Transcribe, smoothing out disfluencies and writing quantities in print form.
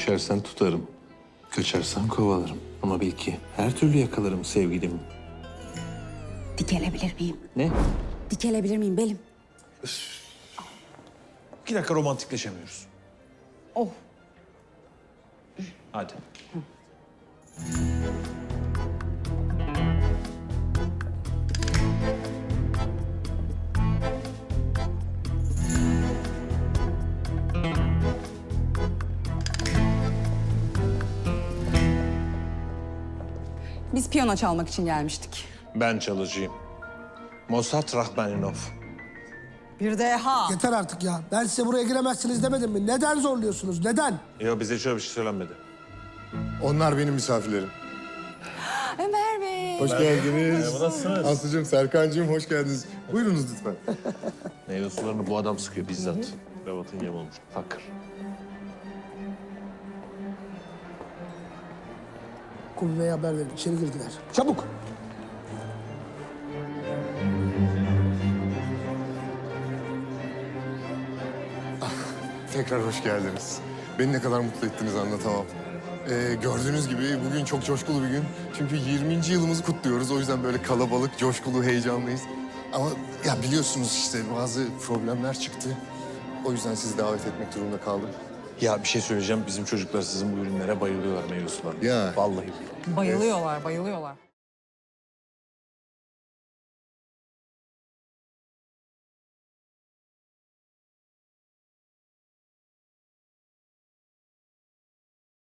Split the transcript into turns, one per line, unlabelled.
Düşersen tutarım, kaçarsan kovalarım. Ama bil ki her türlü yakalarım sevgilimi.
Dikelebilir miyim?
Ne?
Dikelebilir miyim belim?
2 dakika romantikleşemiyoruz.
Oh.
Hadi.
Biz piyano çalmak için gelmiştik.
Ben çalıcıyım. Mossad Rahmaninov.
Bir de ha.
Yeter artık ya. Ben size buraya giremezsiniz demedim mi? Neden zorluyorsunuz? Neden?
Yok bize şöyle bir şey söylenmedi.
Onlar benim misafirlerim.
Ömer Bey.
Hoş geldiniz.
nasılsınız?
Aslıcığım, Serkan'cığım hoş geldiniz. Buyurunuz lütfen.
Meyve sularını bu adam sıkıyor bizzat. Kravatın yem olmuş. Fakir.
Kulübeye haber verin. İçeri girdiler. Çabuk.
Tekrar hoş geldiniz. Beni ne kadar mutlu ettiniz anlatamam. Gördüğünüz gibi bugün çok coşkulu bir gün. Çünkü 20. yılımızı kutluyoruz. O yüzden böyle kalabalık, coşkulu, heyecanlıyız. Ama ya biliyorsunuz işte bazı problemler çıktı. O yüzden sizi davet etmek durumunda kaldım.
Ya bir şey söyleyeceğim. Bizim çocuklar sizin bu ürünlere bayılıyorlar meyve sularına.
Ya.
Vallahi.
Bayılıyorlar, bayılıyorlar.